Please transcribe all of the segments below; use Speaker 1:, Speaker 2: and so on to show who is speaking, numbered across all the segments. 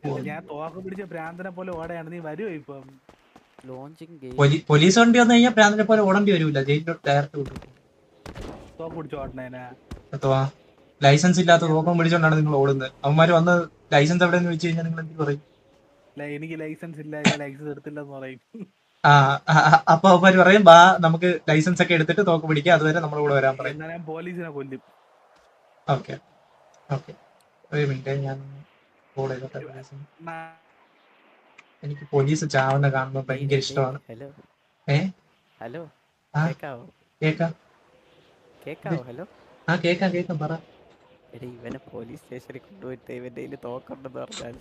Speaker 1: ഞാൻ തോക്ക് പിടിച്ച ഭ്രാന്തനെ പോലെ ഓടയാണ്. നീ വരുവോ ഇപ്പം?
Speaker 2: പോലീസ് വണ്ടി വന്നു കഴിഞ്ഞാൽ പ്രാന്തിനെ പോലെ ഓടേണ്ടി വരൂല, ജയിലിലോട്ട് ഡയറക്റ്റ് വിട്ടു.
Speaker 1: തോക്ക് പിടിച്ച് ഓടണേനാ?
Speaker 2: ലൈസൻസ് ഇല്ലാത്ത തോക്കം പിടിച്ചോണ്ടാണ് നിങ്ങൾ ഓടുന്നത്. അവന്മാര് വന്ന് ലൈസൻസ് എവിടെയെന്ന് വെച്ച് കഴിഞ്ഞാൽ നിങ്ങൾ എന്ത് പറയും?
Speaker 1: എനിക്ക് ലൈസൻസ് ഇല്ല, ഞാൻ ലൈസൻസ് എടുത്തില്ലെന്ന് പറയും.
Speaker 2: അപ്പൊ അവന്മാര് പറയും ബാ നമുക്ക് ലൈസൻസ് ഒക്കെ എടുത്തിട്ട് തോക്ക് പിടിക്കുക, അതുവരെ നമ്മുടെ കൂടെ വരാൻ പറയും.
Speaker 1: എന്നാ ഞാൻ പോലീസിനെ കൊല്ലും.
Speaker 2: ഓക്കെ ഓക്കെ, ഒരു മിനിറ്റ് ഞാൻ കോൾ ചെയ്തോട്ടെ പോലീസിന്. എനിക്ക് പോലീസ് ചാവുന്ന കാണുമ്പോൾ ഭയങ്കര ഇഷ്ടമാണ്.
Speaker 3: ഹലോ
Speaker 2: കേക്കാം.
Speaker 3: ഹലോ
Speaker 2: കേക്കാം പറ.
Speaker 3: എടേ ഇവനെ പോലീസ് സ്റ്റേഷനിൽ കൊണ്ടുപോയിട്ട് ഇവന്റെ കയ്യിൽ തോക്കുണ്ടെന്ന് പറഞ്ഞാൽ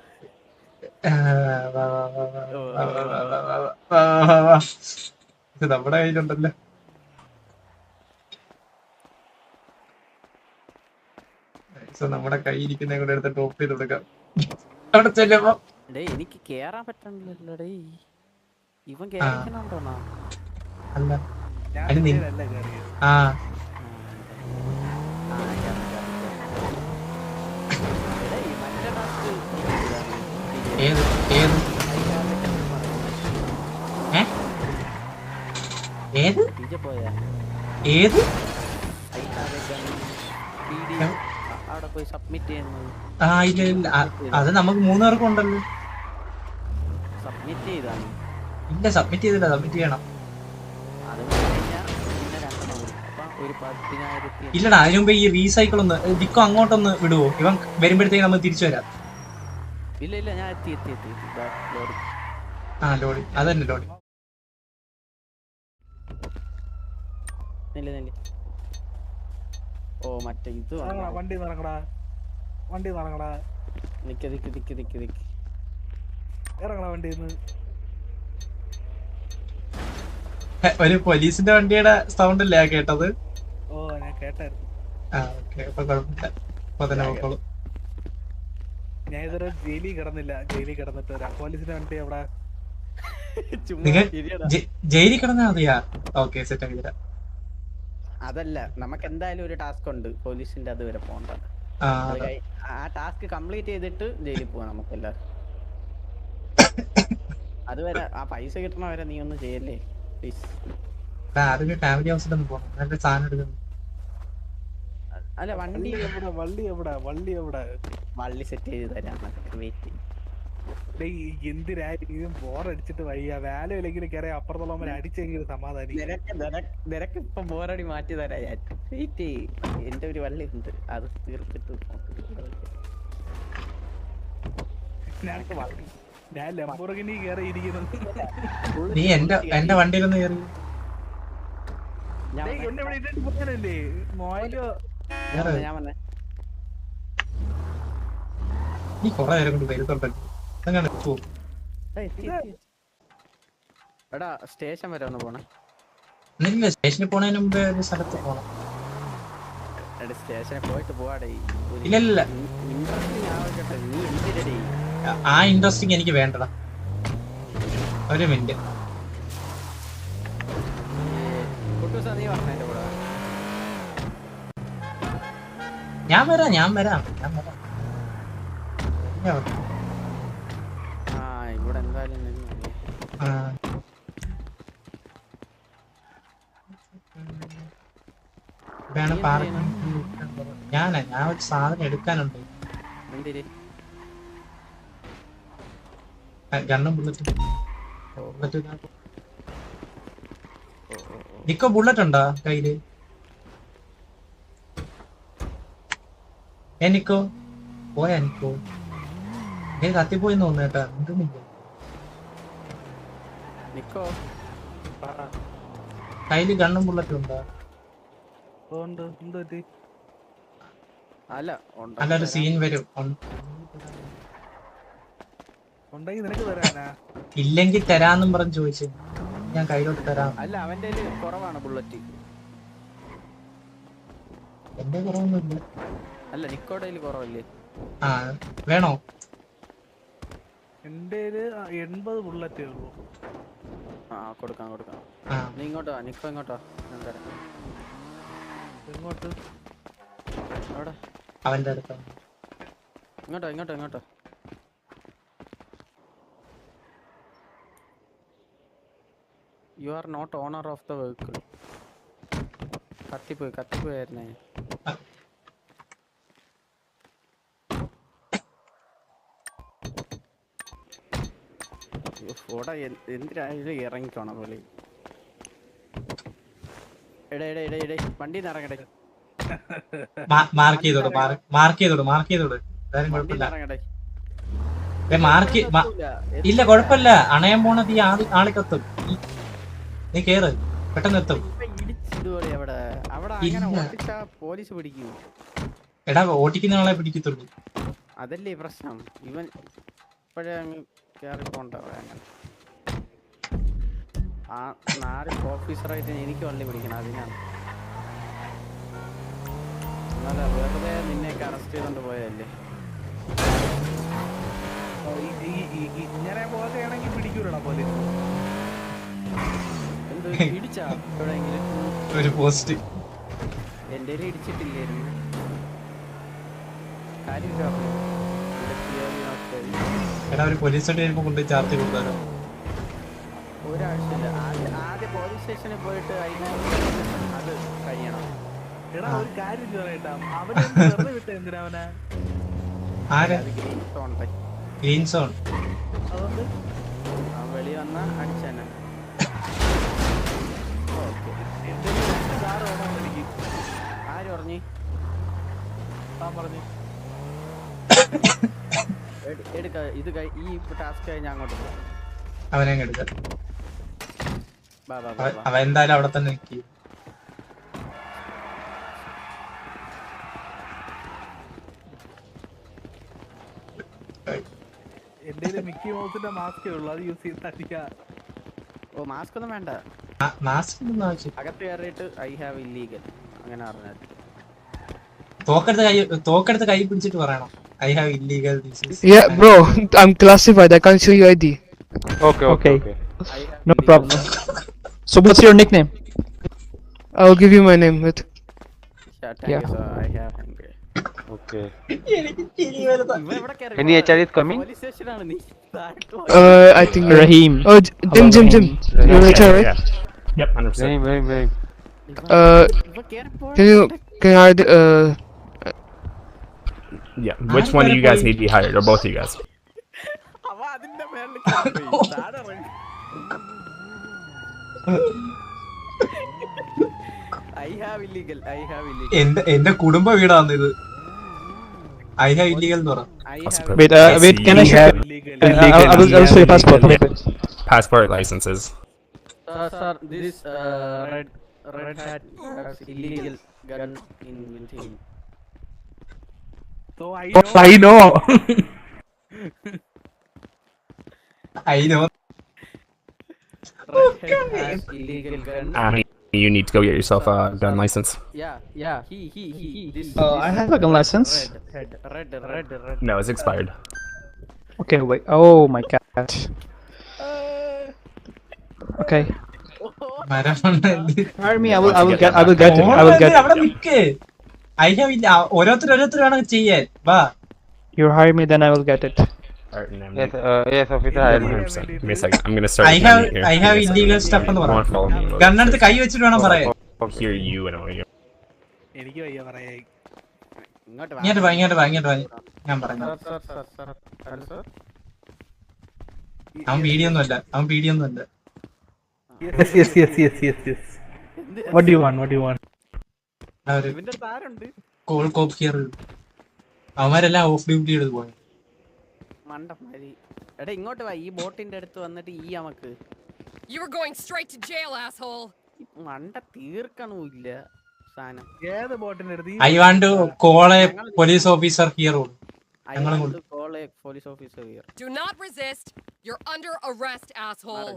Speaker 2: ഇത് നമ്മുടെ കയ്യിലുണ്ടല്ലോ. നമ്മുടെ കയ്യിരിക്കുന്ന കൂടെ എടുത്ത് ടോപ്പ് ചെയ്ത് കൊടുക്കാം. അവിടെ ചെല്ലുമ്പോ
Speaker 3: എനിക്ക് കേറാൻ പറ്റണില്ലല്ലോടേ. ഇവൻ കേറിക്കണോണ്ടോണോ?
Speaker 2: അല്ല ഏത് ഏത് ഏത് ഏത്
Speaker 3: അവിടെ പോയി സബ്മിറ്റ് ചെയ്യുന്നത്?
Speaker 2: ഇല്ല അത് നമുക്ക് 3 പേർക്കും ഉണ്ടല്ലോ.
Speaker 3: സബ്മിറ്റ് ചെയ്താണ്?
Speaker 2: ഇല്ല സബ്മിറ്റ് ചെയ്തില്ല, സബ്മിറ്റ് ചെയ്യണം. ഇല്ലടാ, അതിന് മുമ്പ് ഈ റീസൈക്കിൾ ഒന്ന് ഡിക്കോ അങ്ങോട്ടൊന്ന് വിടുവോ? ഇവൻ വരുമ്പോഴത്തേക്ക് നമ്മൾ തിരിച്ചു വരാം.
Speaker 3: ഇല്ല ഞാൻ എത്തി.
Speaker 2: ലോഡി അതന്നെ ലോഡി.
Speaker 3: ഓ മറ്റേ ഇത്
Speaker 1: വണ്ടി നടക്കടാ.
Speaker 3: നിക്ക്
Speaker 1: ഇറങ്ങടാ വണ്ടിന്ന്.
Speaker 2: ഒരു പോലീസിന്റെ വണ്ടിയുടെ സൗണ്ട് അല്ലേ കേട്ടത്?
Speaker 1: ഓ ഞാൻ കേട്ടായിരുന്നു.
Speaker 2: അപ്പൊ കുഴപ്പമില്ല, അപ്പൊ തന്നെ നോക്കോളൂ.
Speaker 1: ഞാൻ ഇതുവരെ ജയിലിൽ കിടന്നില്ല. ജയിലിൽ കിടന്നിട്ട് പോലീസിന്റെ വണ്ടി അവിടെ
Speaker 2: ജയിലിൽ കിടന്നാ മതിയാ? ഓക്കെ സെറ്റ് ആക്കി തരാം.
Speaker 3: അതല്ല, നമുക്ക് എന്തായാലും ഒരു ടാസ്ക് ഉണ്ട് പോലീസിന്റെ അതുവരെ പോകണ്ട. ആ ടാസ്ക് കംപ്ലീറ്റ് ചെയ്തിട്ട് ജയിലിൽ പോവാം നമുക്കെല്ലാവരും. അതുവരെ ആ പൈസ കിട്ടണവരെ നീ ഒന്നും ചെയ്യല്ലേ പ്ലീസ്.
Speaker 2: ഫാമിലി ഹൗസിലൊന്ന് പോകണം, നല്ല സാധനം എടുക്കുന്നു.
Speaker 3: അല്ല
Speaker 1: വള്ളി
Speaker 3: സെറ്റ് ചെയ്ത് തരാം, വെയിറ്റ്.
Speaker 1: എന്തിനായിരിക്കും ബോറടിച്ചിട്ട് വയ്യ. വാലയിലെങ്കിലും കയറി അപ്പുറത്തുള്ളവരെ അടിച്ചെങ്കിലും സമാധാനിക്കും.
Speaker 3: നിനക്ക് ഇപ്പൊ ബോറടി മാറ്റി തരാം ഞാൻ. വെയിറ്റ്, എന്റെ ഒരു വള്ളി ഉണ്ട്, അത് തീർത്തിട്ട്
Speaker 1: ഞാൻ ലംബോർഗിനി കേറി ഇരിക്കുന്നത്.
Speaker 2: നീ എന്റെ വണ്ടിയിലൊന്ന് കയറി.
Speaker 1: എന്നെ വിളിച്ചിട്ട് പോകാനല്ലേ മോയിലോ?
Speaker 2: നീ കൊറേ നേരം കൊണ്ട് വരുന്നുണ്ടല്ലോ.
Speaker 3: എടാ സ്റ്റേഷൻ വരെ ഒന്ന് പോണേ.
Speaker 2: സ്റ്റേഷനിൽ പോണതിന് മുമ്പ് ഒരു സ്ഥലത്ത് പോണം.
Speaker 3: സ്റ്റേഷനിൽ പോയിട്ട് പോവാടേ.
Speaker 2: ഇല്ല
Speaker 3: ഇൻട്രസ്റ്റിംഗ് ആവട്ടെ. നീ എന്തിനടേ?
Speaker 2: ആ ഇൻട്രസ്റ്റിംഗ് എനിക്ക് വേണ്ടടാ. ഒരു മിനിറ്റ്.
Speaker 3: നീ പറഞ്ഞ കൂടെ
Speaker 2: ഞാൻ വരാം.
Speaker 3: ഇവിടെ എന്തായാലും
Speaker 2: ഞാൻ ഒരു സാധനം എടുക്കാനുണ്ട്. ഗണ്ണും ബുള്ളറ്റും. നിക്കോ ബുള്ളറ്റ് ഉണ്ടോ കയ്യില്? നിക്കോ പോയാ? നിക്കോ കത്തിപ്പോയിന്ന് തോന്നേട്ടാ. കയ്യില് ഗണ്ണും ബുള്ളറ്റും ഉണ്ടോ? അല്ല ഒരു സീൻ വരും. ഇല്ലെങ്കിൽ തരാന്നും പറഞ്ഞ് ചോദിച്ചു. ഞാൻ കയ്യിലോട്ട് തരാം.
Speaker 3: അല്ല അവന്റെ കുറവാണ് ബുള്ളറ്റ്.
Speaker 2: എന്റെ കുറവൊന്നുമില്ല.
Speaker 3: അല്ല നിക്കോടെ കുറവല്ലേ?
Speaker 2: വേണോ?
Speaker 1: എന്റെ 80 ബുള്ളറ്റേ ഉള്ളൂ.
Speaker 3: കൊടുക്കാം. നീ ഇങ്ങോട്ടോ, നിക്കോ ഇങ്ങോട്ടോ.
Speaker 1: ഇങ്ങോട്ട്
Speaker 2: അവന്റെ അടുത്ത്
Speaker 3: ഇങ്ങോട്ടോ. You are not owner of the vehicle. കത്തിപ്പോയായിരുന്നേ. ഓടാ എന്തിനായാലും ഇറങ്ങിക്കോണം പോലെ. എടേ വണ്ടി ഇറങ്ങടേ.
Speaker 2: മാർക്ക് ചെയ്തോട് എന്തായാലും കുഴപ്പമില്ല. ഇല്ല കുഴപ്പമില്ല, അണയാൻ പോണത് ഈ ആളി കത്തും. നീ കേറ്, പെട്ടെന്ന് എത്തും.
Speaker 3: പോലീസ് പിടിക്കും.
Speaker 2: എടാ ഓട്ടിക്കുന്ന ആളെ പിടിക്കത്തുള്ളൂ.
Speaker 3: അതല്ലേ പ്രശ്നം. ഇവൻ ഇപ്പോഴേ അങ്ങ് കേറി പോണ്ട. ആ 4 ഓഫീസറായിട്ട് എനിക്ക് വള്ളി പിടിക്കണം. അതിനാണ് എന്നാലും വെറുതെ നിന്നെയൊക്കെ അറസ്റ്റ് ചെയ്തോണ്ട് പോയതല്ലേ.
Speaker 1: ഇങ്ങനെ പോലെയാണെങ്കിൽ പിടിക്കൂലടാ പോലീസ്.
Speaker 3: എന്ത് ഇടിച്ചാ എവിടെയെങ്കിലും?
Speaker 2: ഒരു പോസ്റ്റ്
Speaker 3: എന്റെ ഇടിച്ചിട്ടില്ലായിരുന്നു. കാര്യം
Speaker 2: എടാ ഒരു പോലീസ് സ്റ്റേഷൻ വരുമ്പോ കൊണ്ട് ചാർജ് കൊടുത്താലോ?
Speaker 3: ഒരാഴ്ചയില്ല. ആദ്യം പോലീസ് സ്റ്റേഷനിൽ പോയിട്ട് അത് കഴിയണം.
Speaker 1: എടാ ഒരു കാര്യം ചോദിട്ടാ, അവനെ വെറുതെ വിട്ട എന്തിനാ അവനെ?
Speaker 2: ഗ്രീൻ സോൺ
Speaker 3: അതുകൊണ്ട് വെളി വന്ന അടിച്ചന്നെ.
Speaker 1: എനിക്ക്
Speaker 3: ആര് പറഞ്ഞു?
Speaker 1: താൻ പറഞ്ഞു
Speaker 3: എടുക്ക. ഇത് ഈ ടാസ്ക് കഴിഞ്ഞ് അങ്ങോട്ട് പോകാം.
Speaker 2: അവനെ എടുക്ക. അവൻ എന്തായാലും അവിടെ തന്നെ നിൽക്കും.
Speaker 1: എന്റെ മിക്കി മൗസിന്റെ മാസ്കേ ഉള്ളു, അത് യൂസ് ചെയ്ത് അടിക്കാം.
Speaker 3: ഓ മാസ്ക് ഒന്നും വേണ്ട.
Speaker 2: മാസ്ക് ഒന്നും ആവശ്യം.
Speaker 3: അകത്ത് കയറിയിട്ട് ഐ ഹാവ് ഇല്ലീഗൽ അങ്ങനെ പറഞ്ഞാൽ.
Speaker 2: തോക്കെടുത്ത് കൈ പിടിച്ചിട്ട് പറയണം I have illegal.
Speaker 4: Yeah, bro, I'm classified. I can't show you ID.
Speaker 5: Okay.
Speaker 4: No problem.
Speaker 5: So what's your nickname?
Speaker 4: I'll give you my name. With
Speaker 3: I have
Speaker 5: Okay.
Speaker 3: Any
Speaker 5: HRD is coming?
Speaker 3: Police station ആണ് നീ.
Speaker 4: I think
Speaker 5: Rahim.
Speaker 4: Oh, Jim.
Speaker 5: Rahim.
Speaker 4: You're HR, right?
Speaker 5: Yep, 100%. Very.
Speaker 4: Can I
Speaker 5: Yeah. Which one of you guys need to be hired, or both of you guys?
Speaker 3: അവ അതിന്റെ മേളിൽ കേറി താഴെ ഇറങ്ങി. I have illegal.
Speaker 2: എന്റെ കുടുംബ വീടാണ് ഇത്. ഐ ഹാവ് ഇല്ലീഗൽ എന്ന് പറ.
Speaker 5: Wait, can I share? I will show you passport.
Speaker 6: Passport licenses.
Speaker 3: Sir, this red hat has illegal gun in with him.
Speaker 1: So
Speaker 5: I know.
Speaker 2: I know.
Speaker 3: Red hat has illegal gun.
Speaker 6: You need to go get yourself a gun license.
Speaker 3: Yeah. He. This.
Speaker 5: I have a gun license.
Speaker 3: Red.
Speaker 6: No, it's expired.
Speaker 5: Okay, wait. Oh my god. Okay. Hire me. I will get it.
Speaker 2: അവിടെ നിക്ക്. I have ഇല്ല. ഓരോരുത്തർ വേണം ചെയ്യാൻ. വാ.
Speaker 5: You hire me, then I will get it.
Speaker 6: Alright, no,
Speaker 5: Yes, officer.
Speaker 6: 100%. Give me a second. I'm gonna start.
Speaker 2: I have illegal stuff എന്ന് പറ.
Speaker 6: Follow me.
Speaker 2: ഗണ്ണെടുത്ത് കൈ വെച്ചിട്ട് വേണം പറയാൻ.
Speaker 6: Hear you and all you.
Speaker 1: എനിക്ക് വയ്യ പറയാ.
Speaker 3: ഇങ്ങോട്ട് വാ.
Speaker 2: ഇങ്ങോട്ട് വാ. ഞാൻ പറഞ്ഞു.
Speaker 3: Sir.
Speaker 2: അവൻ പീഡിയൊന്നും അല്ല.
Speaker 1: Yes. What do you want?
Speaker 3: ഇവന്റെ താരുണ്ട്.
Speaker 2: Call cop here. അവന്മാരെല്ലാം ഓഫ് ഡ്യൂട്ടി എടുത്ത് പോയി.
Speaker 3: മണ്ടമാരി. എടാ ഇങ്ങോട്ട് വാ. ഈ ബോട്ടിന്റെ അടുത്ത് വന്നിട്ട് ഈ നമുക്ക്.
Speaker 7: You were going straight to jail, asshole.
Speaker 3: മണ്ട തീർക്കണമില്ല സാധനം.
Speaker 1: ഏത് ബോട്ടിന്റെ അടുത്ത്?
Speaker 2: I want to call a police officer here.
Speaker 3: I want to call a police officer here.
Speaker 7: Do not resist. You're under arrest, asshole.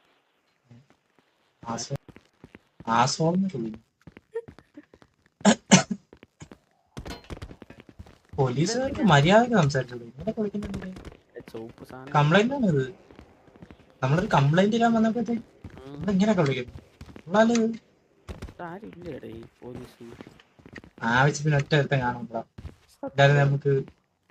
Speaker 2: പോലീസുകാർക്ക് മര്യാദക്ക് സംസാരിച്ചോളൂ.
Speaker 3: ചോപ്പ് സാധനം.
Speaker 2: കംപ്ലൈന്റ് ആണ് ഇത്. നമ്മളൊരു കംപ്ലൈന്റ് ഇടാൻ വന്നപ്പോഴത്തേക്ക് ഇങ്ങനെയൊക്കെ വിളിക്കുന്നു.
Speaker 3: ആരില്ലേടേ ഈ പോലീസ്.
Speaker 2: ആവശ്യത്തിന് ഒറ്റ ഒരുത്തൻ കാണുമ്പോ എന്തായാലും നമുക്ക്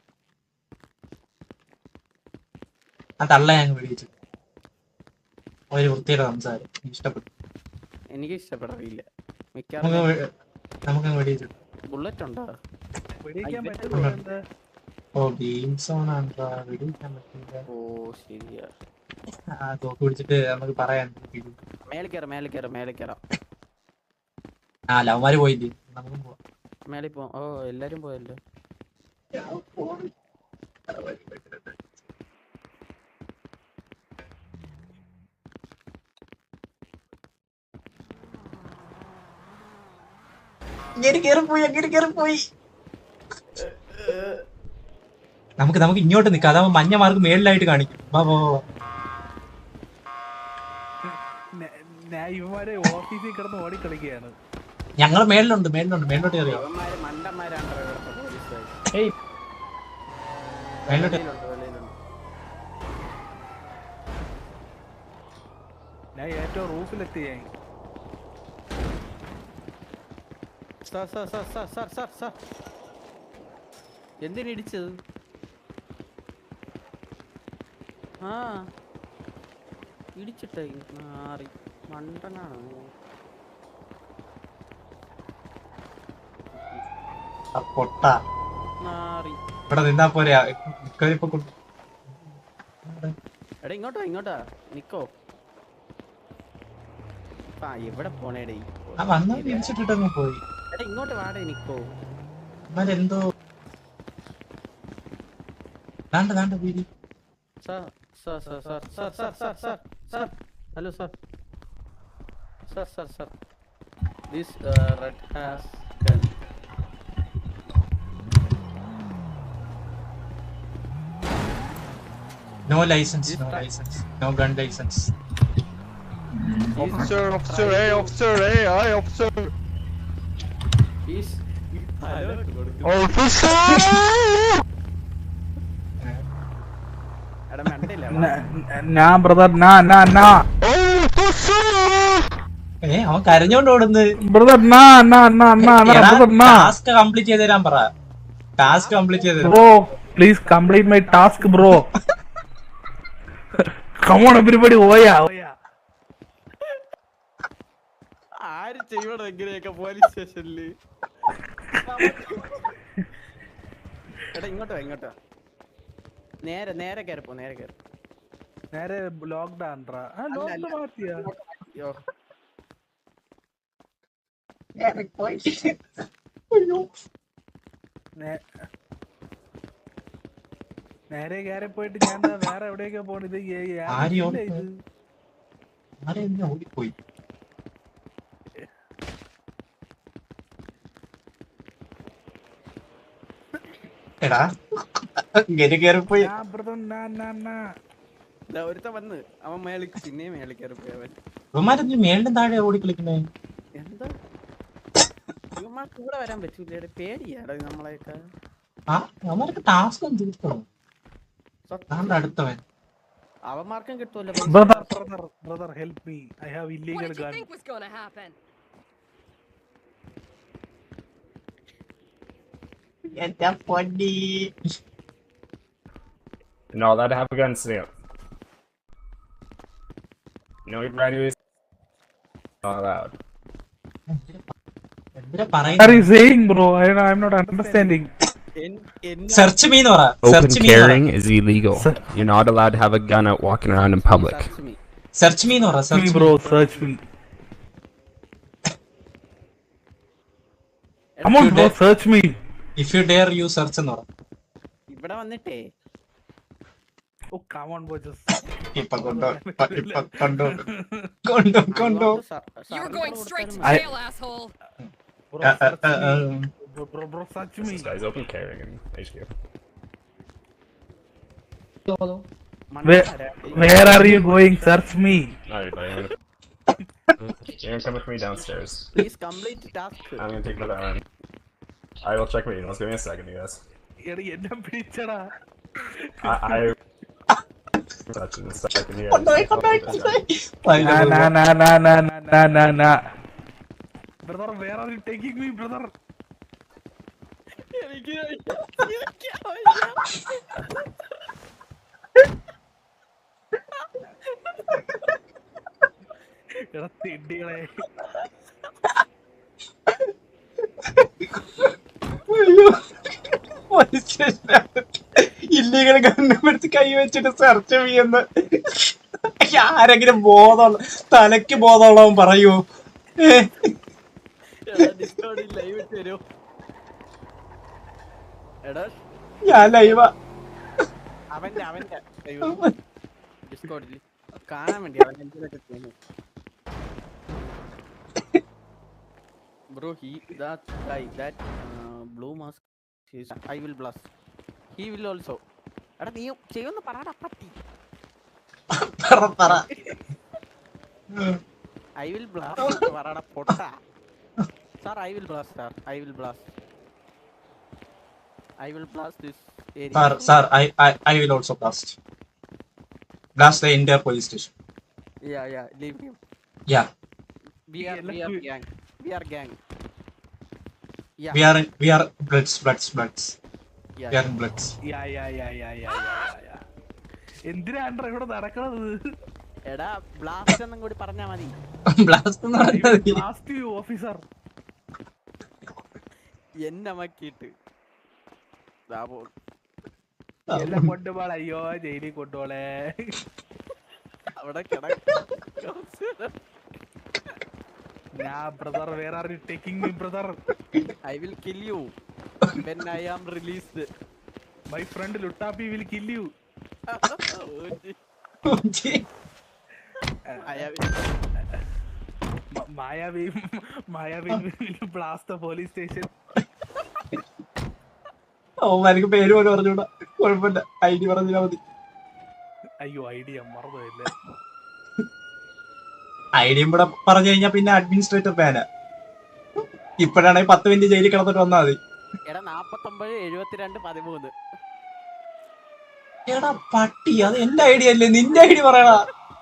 Speaker 2: ആ തള്ള ഞങ്ങൾ വിളിച്ചു. ഒരു വൃത്തിയുടെ സംസാരം ഇഷ്ടപ്പെട്ടു.
Speaker 3: എനിക്ക് ഇഷ്ടപ്പെടില്ല
Speaker 2: നമുക്ക്
Speaker 3: മിക്കവാറും.
Speaker 2: നമുക്ക് വെടിയിച്ചു.
Speaker 3: ബുള്ളറ്റ് ഉണ്ടോ?
Speaker 1: വെടിയിക്കാൻ
Speaker 3: ഇത്
Speaker 1: പറ്റുമോ എന്താ?
Speaker 2: ഓ ഗെയിം സോൺ ആണോ വെടിയിക്കാൻ പറ്റില്ല.
Speaker 3: ഓ ശരിയാ.
Speaker 2: തോക്ക് പിടിച്ചിട്ട് നമുക്ക് പറയാൻ.
Speaker 3: മേലെ കയറാം.
Speaker 2: ആ ലവന്മാര് പോയില്ലേ, നമുക്കും പോവാം.
Speaker 3: മേലെ പോ. ഓ എല്ലാരും പോയല്ലോ.
Speaker 2: അങ്ങനെ കേറിപ്പോയി. നമുക്ക് ഇങ്ങോട്ട് നിക്കാം, അതാവുമ്പോ മഞ്ഞ മാർക്ക് മേളിലായിട്ട് കാണിക്കും.
Speaker 1: ഇവന്മാരെ ഓഫീസിൽ കിടന്ന് ഓടിക്കളിക്കുകയാണ്.
Speaker 2: ഞങ്ങള് മേളിലുണ്ട് മേളിലോട്ട് കയറിയോ?
Speaker 3: ഇവന്മാര് മണ്ടന്മാരാണ് ഇവിടുത്തെ പോലീസുകാര്.
Speaker 2: മേളിലോട്ട്
Speaker 3: വെളിയിലുണ്ട്.
Speaker 1: ഞാൻ ഏറ്റവും റൂഫിലെത്തി. ഞാൻ
Speaker 3: സാർ എന്തിനിടിച്ചത്? ആ ഇടിച്ചിട്ടേ മാറി മണ്ടനാണ്.
Speaker 2: പൊട്ട
Speaker 3: മാറി.
Speaker 2: ഇവിടെ നിന്നാ പോരാ.
Speaker 3: എടാ ഇങ്ങോട്ടാ നിക്കോ. ആ എവിടെ പോണേടേ?
Speaker 2: വന്നാ തിരിച്ചിട്ടിട്ടങ്ങ് പോയി.
Speaker 3: എടാ ഇങ്ങോട്ട് വാടേ നിക്കോ.
Speaker 2: എന്തോ ദാണ്ട വീതി.
Speaker 3: Sir hello sir. This red has gun.
Speaker 2: No license, no gun license.
Speaker 5: Officer, hey, officer.
Speaker 3: Please.
Speaker 5: Officer!
Speaker 3: എടാ മണ്ടയില്ല.
Speaker 1: ഞാൻ ബ്രദർ
Speaker 2: അവൻ കരഞ്ഞോണ്ട് ഓടുന്നു. ടാസ്ക് കംപ്ലീറ്റ് ചെയ്ത് തരാൻ പറ.
Speaker 1: Bro please complete my task bro. Come on everybody, ഓയാ.
Speaker 3: ആര് ചെയ്യണം എങ്ങനെയൊക്കെ പോലീസ് സ്റ്റേഷനില്? എടാ ഇങ്ങോട്ടോ. നേരെ കയറിപ്പോ.
Speaker 1: നേരെ ലോക്ക്ഡ് ആണ്ട്രാ. ലോക്ക്ഡ് മാറ്റിയാ.
Speaker 3: യോ
Speaker 1: നേരെ കയറി പോയിട്ട് ഞാൻ വേറെ എവിടെയൊക്കെ പോണത്?
Speaker 2: ഓടിപ്പോയി. എടാ ഇങ്ങനെ കേറിപ്പോയി.
Speaker 3: ഒരുത്ത വന്ന് അവൻ പിന്നെയും മേളിൽ കയറിപ്പോയി. അവൻ
Speaker 2: ഇവന്മാരെന്ത് മേളിലും താഴെ ഓടിക്കളിക്കണേ?
Speaker 3: എന്താ ഇവന്മാർക്ക് ഇവിടെ വരാൻ പറ്റൂല. പേടിയാടാ നമ്മളെയൊക്കെ.
Speaker 2: അവന്മാർക്ക് ടാസ്ക് തീർക്കണം. അടുത്തവൻ
Speaker 3: അവന്മാർക്കും കിട്ടുമല്ലോ.
Speaker 1: Brother help me, I have illegal
Speaker 7: What did you
Speaker 1: gun.
Speaker 7: think was gonna happen?
Speaker 2: എന്താ പൊടി.
Speaker 6: You're not allowed to have a gun, Snail. You know what you're doing? Not allowed.
Speaker 1: What are you saying, bro? I'm not understanding.
Speaker 2: Search me, Nora.
Speaker 6: Open carrying is illegal. You're not allowed to have a gun out walking around in public.
Speaker 2: Search me, Nora.
Speaker 1: Search me, bro. Search me. Come on, bro. Search me.
Speaker 2: If you dare, you search, Nora.
Speaker 3: ഇവിടെ വന്നിട്ടേ.
Speaker 1: Oh, come on, bro. Just.
Speaker 2: Kondo.
Speaker 7: You're going straight to jail, asshole.
Speaker 1: Bro, search me.
Speaker 6: This guy's open carrying in HQ.
Speaker 1: Where are you going? Search me.
Speaker 6: No, you're gonna come with me downstairs.
Speaker 3: Please complete task.
Speaker 6: I'm gonna take another arm. I will check my emails. Give me a second, you guys.
Speaker 1: എന്നെ പിടിച്ചടാ.
Speaker 6: I touching this second here.
Speaker 1: Nah. Brother, where are you taking me, brother? എടാ തിണ്ടികളെ.
Speaker 2: Illegal government കൈ വെച്ചിട്ട് search ചെയ്യുന്ന ആരെങ്കിലും ബോധമുള്ള തലയ്ക്ക് ബോധമുള്ളവൻ പറയൂ.
Speaker 3: Live ഇട്ട് തരോ? എടാ
Speaker 2: ഞാൻ ലൈവാ.
Speaker 3: അവന്റെ ഡിസ്കോർഡിൽ കാണാൻ വേണ്ടി അവൻ എന്തൊക്കെ ചെയ്യുന്നു. Bro, that guy, that blue mask, I will blast. He will also. എടാ നീ ചെയ്യുന്ന പറടാ പട്ടി.
Speaker 2: പറ.
Speaker 3: I will blast പറടാ പൊട്ട. Sir, I will blast, sir. I will blast this area.
Speaker 2: Sir, I will also blast the entire police station.
Speaker 3: Yeah, leave him.
Speaker 2: Yeah.
Speaker 3: We are gang. Yeah.
Speaker 2: We are bloods.
Speaker 3: Yeah.
Speaker 2: We are in bloods.
Speaker 1: യാ. എന്തിനാണ് ഇവിടെ നടക്കണത്?
Speaker 3: എടാ blast എന്നും കൂടി പറഞ്ഞാ മതി.
Speaker 2: Blast എന്ന് പറഞ്ഞാൽ
Speaker 1: ബ്ലാസ്റ്റ് ഓഫീസർ
Speaker 3: എന്നെ മക്കിയിട്ട്
Speaker 1: എല്ലാം കൊണ്ടുപോളെ. അയ്യോ ജയിലിൽ കൊണ്ടുപോളെ.
Speaker 3: അവിടെ
Speaker 1: ഞാൻ brother, where are you taking me brother?
Speaker 3: I will kill you when I am released.
Speaker 1: My friend Luttapi will kill you. Maya will blast the police station.
Speaker 2: എനിക്ക് പേര് പോലും പറഞ്ഞൂടാ. കുഴപ്പമില്ല, ഐഡി പറഞ്ഞാ മതി.
Speaker 1: അയ്യോ ഐഡിയ മറന്നില്ല.
Speaker 2: ഐഡിയും കൂടെ പറഞ്ഞു കഴിഞ്ഞാ പിന്നെ അഡ്മിനിസ്ട്രേറ്റർ ബാനാ. ഇപ്പഴാണെങ്കിൽ 10 മിനിറ്റ് ജയിലിൽ കിടന്നിട്ട് വന്നാ മതി.
Speaker 3: എടാ 49 72 13.
Speaker 2: എടാ പട്ടി, അത് എന്റെ ഐഡിയ അല്ലേ, നിന്റെ ഐഡി പറയടാ.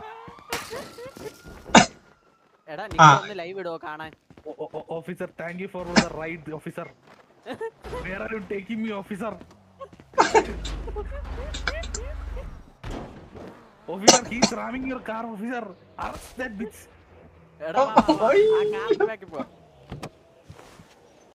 Speaker 3: എടാ നീ ലൈവ് ഇടോ കാണാൻ.
Speaker 1: Officer, thank you for the ride, officer. Where are you taking me, officer? Officer, he's ramming your car, officer. Arrest that bitch.
Speaker 3: എടാ ആ കാറിന്റെ ബാക്കിൽ പോ.